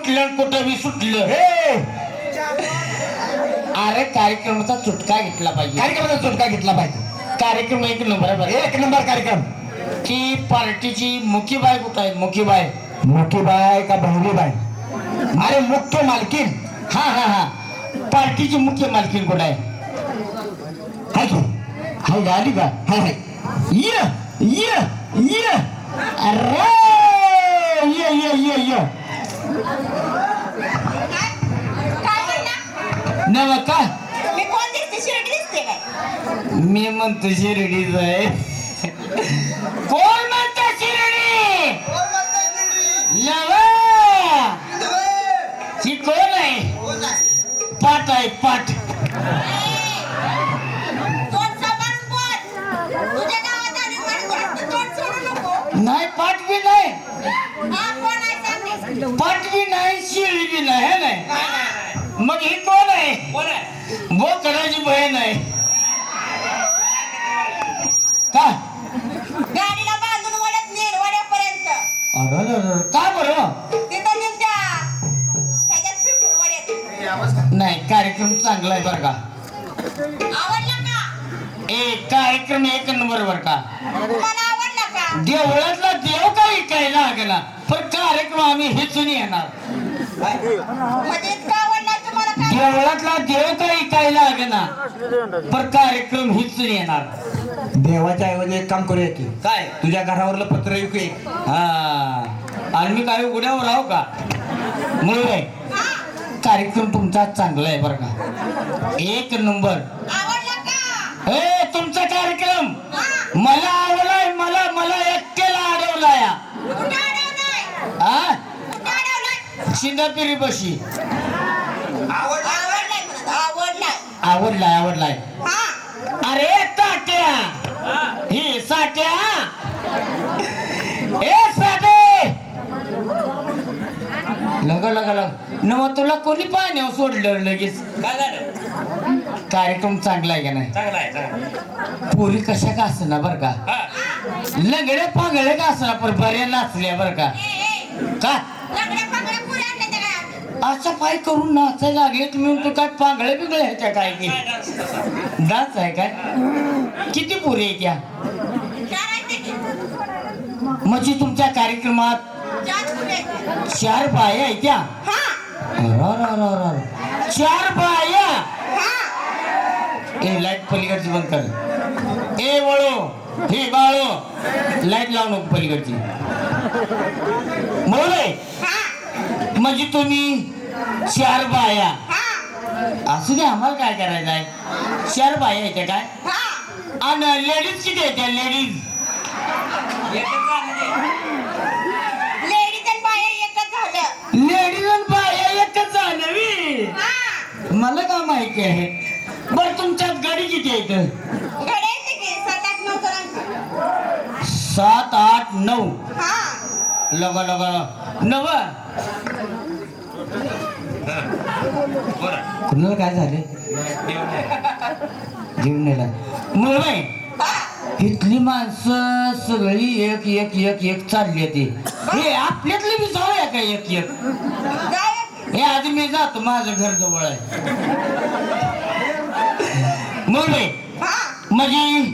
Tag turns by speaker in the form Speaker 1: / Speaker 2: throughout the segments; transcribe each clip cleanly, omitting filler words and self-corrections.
Speaker 1: उठलं कुठं बी सुटलं.
Speaker 2: हे
Speaker 1: अरे कार्यक्रमाचा चुटका घेतला पाहिजे.
Speaker 2: कार्यक्रमाचा सुटका घेतला पाहिजे.
Speaker 1: कार्यक्रम एक नंबर आहे बरं.
Speaker 2: एक नंबर कार्यक्रम.
Speaker 1: ती पार्टीची मुखी बाय कुठं आहे? मुखी बाय
Speaker 2: मोठी बाय का बहिणी बाय? अरे मुख्य मालकीन.
Speaker 1: हा हा हा पार्टीची मुख्य मालकीण कुठं आहे?
Speaker 2: हाय की
Speaker 1: हाय आली का?
Speaker 2: हाय हाय.
Speaker 1: ये ये ये अरे ये ये ये ये नव का
Speaker 3: मी कोण दिसते? शिर्डी दिसते काय?
Speaker 1: मी म्हणतो शिर्डीच आहे. कोण म्हणतो शिर्डी? नव ही कोण आहे? पाट आहे पाट.
Speaker 3: तोंड सांभाळून बोल. तुझ्या गावात आलीस म्हणून तोंड सोडू नको.
Speaker 1: नाही पाट बी नाही,
Speaker 3: हा कोण आहे सांग रे.
Speaker 1: पाट बी नाही, शिर्डी बी नाही. हे नाही मग ही कोण आहे? बोकडाची बहीण आहे का?
Speaker 3: गाडीला बांधून वड्यात नेल वड्यापर्यंत.
Speaker 1: अरे का बरं?
Speaker 3: तिथं तुमच्या ह्याच्यात फिरकून वड्यात.
Speaker 1: नाही कार्यक्रम चांगला आहे बरं का.
Speaker 3: आवडला का?
Speaker 1: कार्यक्रम एक नंबर बरं का.
Speaker 3: तुम्हाला आवडला का?
Speaker 1: देवळातला देव काही कायला गेला पण कार्यक्रम आम्ही हेचून येणार.
Speaker 3: म्हणजे इतका आवडला तुम्हाला काय?
Speaker 1: देवळातला देव काही कायला गेला पण कार्यक्रम हेचून येणार.
Speaker 2: देवाच्या ऐवजी एक काम करूया की
Speaker 1: काय?
Speaker 2: तुझ्या घरावरलं पत्र येऊ की.
Speaker 1: हा आणि मी काय उड्यावर आहो का? मुळे कार्यक्रम तुमचा चांगला आहे बरं का. एक नंबर.
Speaker 3: आवडला का?
Speaker 1: हे तुमचा कार्यक्रम
Speaker 3: हा.
Speaker 1: मला आवडलाय. मला एकट्याला अडवलाय.
Speaker 3: कुठं अडवलंय?
Speaker 1: हा
Speaker 3: कुठं अडवलंय?
Speaker 1: शिंदापिरी बशी.
Speaker 3: आवडलाय म्हणत. आवडलाय.
Speaker 1: आवडलाय.
Speaker 3: हा.
Speaker 1: अरे ताट्या ही साट्या ए साठे लग नव तुला कोणी पाण्यावर सोडलं लगेच?
Speaker 4: काय झालं?
Speaker 1: कार्यक्रम चांगला आहे का नाही?
Speaker 4: चांगला आहे चांगला.
Speaker 1: पोरी कशा का असना बर का,
Speaker 4: हा
Speaker 1: लंगडे पांगडे का असना पण बऱ्या नाचल्या बर का. का
Speaker 3: लग्न पांगड्या पुऱ्या आणल्या त्या काय?
Speaker 1: अशा पाय करून नाचायला लागले तुम्ही? तू काय पांगळे बिगळे ह्याच्या काय की
Speaker 4: काय डान्स तसा?
Speaker 1: डान्स आहे काय? किती पोरी आहे त्या?
Speaker 3: चार आहेत ते की?
Speaker 1: म्हणजे तुमच्या कार्यक्रमात
Speaker 3: चार पुऱ्या आहेत.
Speaker 1: 4 बाया आहे त्या?
Speaker 3: हा.
Speaker 1: अरररररर. 4 बाया.
Speaker 3: हा.
Speaker 1: ए लाईट पलीकडची बंद कर. ए वळो हे बाळो लाईट लावू नको पलीकडची. बोले
Speaker 3: हा.
Speaker 1: म्हणजे तुम्ही 4 बाया.
Speaker 3: हा.
Speaker 1: असू दे आम्हाला काय करायचं आहे. 4 बाया आहेत काय?
Speaker 3: हा.
Speaker 1: आणि लेडीज किती आहेत त्या? लेडीज
Speaker 4: एकच झालं ते.
Speaker 3: लेडीज आणि बाया एकच झालं.
Speaker 1: लेडीज आणि बाया एकच झालं बी.
Speaker 3: हा.
Speaker 1: मला का माहिती आहे. बरं तुमच्यात गाडी किती आहेत?
Speaker 3: घडे आहेत ते की? 7-8 9 जणांची.
Speaker 1: 7 8 9.
Speaker 3: हा.
Speaker 1: लगा नव
Speaker 4: बरं.
Speaker 1: कुणाला काय झाले?
Speaker 4: देऊन दे.
Speaker 1: घेऊन नेला मुळे
Speaker 3: हा.
Speaker 1: इथली माणसं सगळी एक एक एक एक चालली ती. हे आपल्यातले बी जाऊया का एक एक?
Speaker 3: जाऊया.
Speaker 1: हे आधी मी जातो, माझं घर जवळ आहे. मुळे
Speaker 3: हा.
Speaker 1: म्हणजे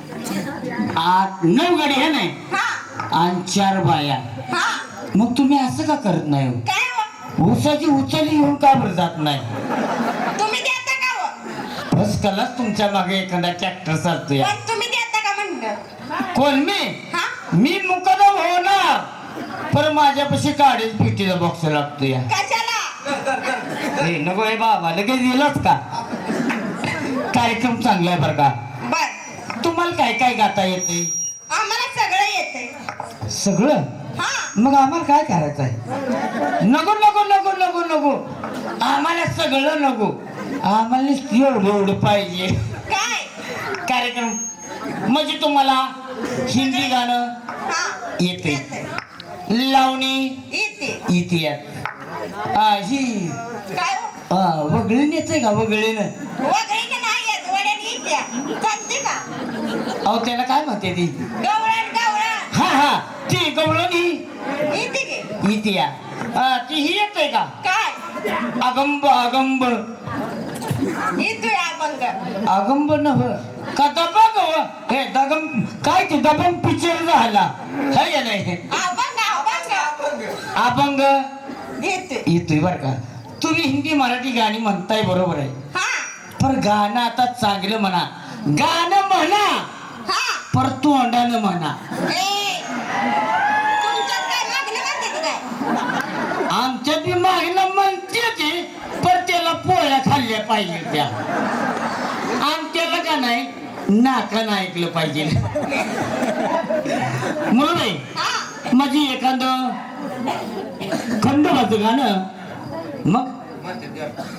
Speaker 1: 8 9 गाडी हे नाही
Speaker 3: हा.
Speaker 1: आणि 4 बाया.
Speaker 3: हा.
Speaker 1: मग तुम्ही असं का करत नाही हो?
Speaker 3: काय हो?
Speaker 1: ऊसाची उचली घेऊन का बरं जात नाही?
Speaker 3: तुम्ही देता का हो?
Speaker 1: बस कलाच तुमच्या मागे एखादा ट्रॅक्टर चालतोय.
Speaker 3: पण तुम्ही देता का म्हणलं?
Speaker 1: कोण मी?
Speaker 3: हा.
Speaker 1: मी मुकदम होणार पण माझ्यापाशी काढीच पिटीचा बॉक्स लागतो या.
Speaker 3: कशाला?
Speaker 1: हे नको हे बाबा लगेच दिलंच का? कार्यक्रम चांगला आहे बरं का.
Speaker 3: बर.
Speaker 1: तुम्हाला काय काय गाता येते?
Speaker 3: आम्हाला सगळं येतंय.
Speaker 1: सगळं?
Speaker 3: हा.
Speaker 1: मग आम्हाला काय करायचं आहे? नको नको नको नको नको आम्हाला सगळं नको. आम्हाला एवढं एवढं पाहिजे
Speaker 3: काय?
Speaker 1: कार्यक्रम. म्हणजे तुम्हाला हिंदी गाणं
Speaker 3: हा.
Speaker 1: येते, लावणी
Speaker 3: येते.
Speaker 1: येते. ही
Speaker 3: काय हो?
Speaker 1: वगळीन येते का? वगळीनं
Speaker 3: वगैरे नाही येत. वड्यात येत्या. चालते का?
Speaker 1: अहो त्याला काय म्हणते ती?
Speaker 3: गवळण गवळण
Speaker 1: हा ती गवळणी
Speaker 3: येते की?
Speaker 1: इतिया ती ही येतोय का
Speaker 3: काय
Speaker 1: अगंब अगंब
Speaker 3: येतोय अभंग
Speaker 1: अगंब नव का दबंग हो? हे दगम काय ते दबंग पिक्चर झाला हाय का नाही
Speaker 3: अभंग अभंग
Speaker 1: अभंग
Speaker 3: येतोय
Speaker 1: येतोय बर का तुम्ही हिंदी मराठी गाणी म्हणताय बरोबर आहे
Speaker 3: हा
Speaker 1: पण गाणं आता चांगलं म्हणा गाणं म्हणा
Speaker 3: हा
Speaker 1: पर तोंडानं म्हणा
Speaker 3: ए तुमच्यात काय मागणी म्हणते की काय
Speaker 1: आमच्यात बी मागणं म्हणते ते पण त्याला पोळ्या खाल्ल्या पाहिजे त्या आमच्याला का नाही नाकानं ऐकलं पाहिजे मुलं
Speaker 3: हा
Speaker 1: माझी एखादं खंडोबाचं गाणं मग
Speaker 4: म्हणते ते.